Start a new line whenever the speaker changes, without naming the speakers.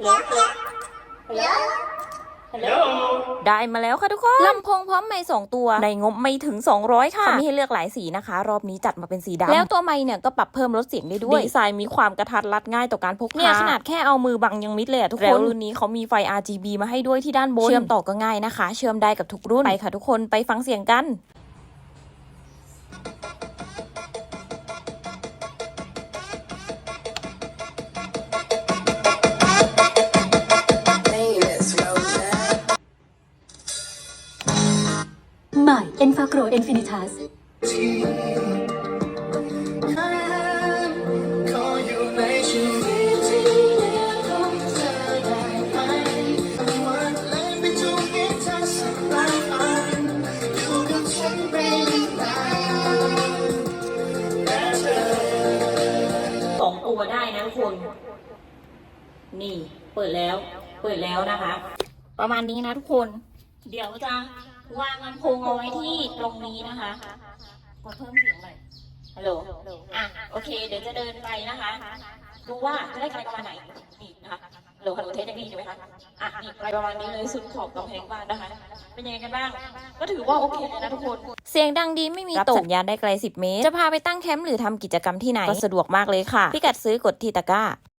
ได้มาแล้วค่ะทุกคนลำโพงพร้อมไมค์2ตัวในงบไม่ถึง200ค่ะเขามีให้เลือกหลายสีนะคะรอบนี้จัดมาเป็นสีดำแล้วตัวไมค์เนี่ยก็ปรับเพิ่มลดเสียงได้ด้วยดีไซน์มีความกระทัดรัดง่ายต่อการพกพาเนี่ยขนาดแค่เอามือบังยังมิดเลยทุกคนแล้วรุ่นนี้เขามีไฟ RGB มาให้ด้วยที่ด้านบนเชื่อมต่อก็ง่ายนะคะเชื่อมได้กับทุกรุ่นไปค่ะทุกคนไปฟังเสียงกัน
ใหม่ Enfacro Infinitas
2 ตัวได้นะทุกคนนี่เปิดแล้วนะคะ ประมาณนี้นะทุกคนเดี๋ยวจะวางลำโพงเอาไว้ที่ตรงนี้นะคะกดเพิ่มเสียงหน่อยฮัลโหลโอเคเดี๋ยวจะเดินไปนะคะดูว่าจะได้ไกลประมาณไหนนี่นะคะฮัลโหลเทสได้ดีใช่ไหมคะนี่ไกลประมาณนี้เลยสุดขอบกำแพงบ้านนะคะเป็นยังไงกันบ้างก็ถือว่าโอเคเลยนะทุกคนเสียงดังดีไม่มีตกสัญญาณได้ไกล10 เมตรจะพาไปตั้งแคมป์หรือทำกิจกรรมที่ไหนก็สะดวกมากเลยค่ะพิกัดซื้อกดที่ตะกร้า